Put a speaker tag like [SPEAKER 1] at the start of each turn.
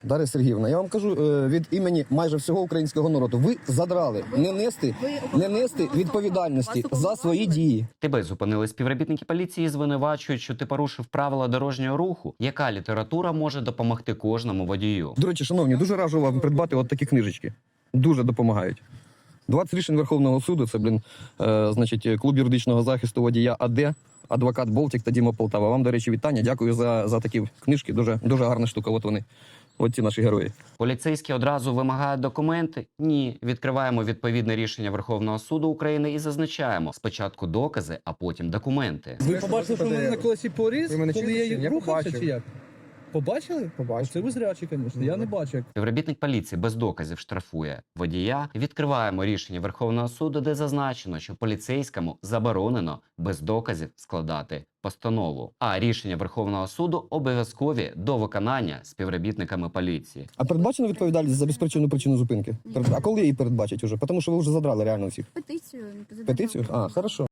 [SPEAKER 1] Дар'я Сергіївна, я вам кажу від імені майже всього українського народу. Ви задрали не нести відповідальності за свої дії.
[SPEAKER 2] Тебе зупинили співробітники поліції і звинувачують, що ти порушив правила дорожнього руху. Яка література може допомогти кожному водію?
[SPEAKER 1] До речі, шановні, дуже раджу вам придбати от такі книжечки. Дуже допомагають. 20 рішень Верховного суду, це, значить, клуб юридичного захисту водія АД, адвокат Болтік та Діма Полтава. Вам, до речі, вітання. Дякую за такі книжки. Дуже гарна штука. От вони. От ці наші герої.
[SPEAKER 2] Поліцейські одразу вимагають документи? Ні. Відкриваємо відповідне рішення Верховного суду України і зазначаємо спочатку докази, а потім документи.
[SPEAKER 3] Ви побачили, що в мене на колесі поріз, коли я рухався,
[SPEAKER 4] побачив.
[SPEAKER 3] чи як? Побачили?
[SPEAKER 4] Побачив.
[SPEAKER 3] Це ви зрячі, звісно. Я не бачив.
[SPEAKER 2] Співробітник поліції без доказів штрафує водія. Відкриваємо рішення Верховного суду, де зазначено, що поліцейському заборонено без доказів складати постанову. А рішення Верховного суду обов'язкові до виконання співробітниками поліції.
[SPEAKER 1] А передбачена відповідальність за безпричинну причину зупинки? А коли її передбачать уже? Тому що ви вже задрали реально всіх.
[SPEAKER 5] Петицію.
[SPEAKER 1] Петицію? А, хорошо.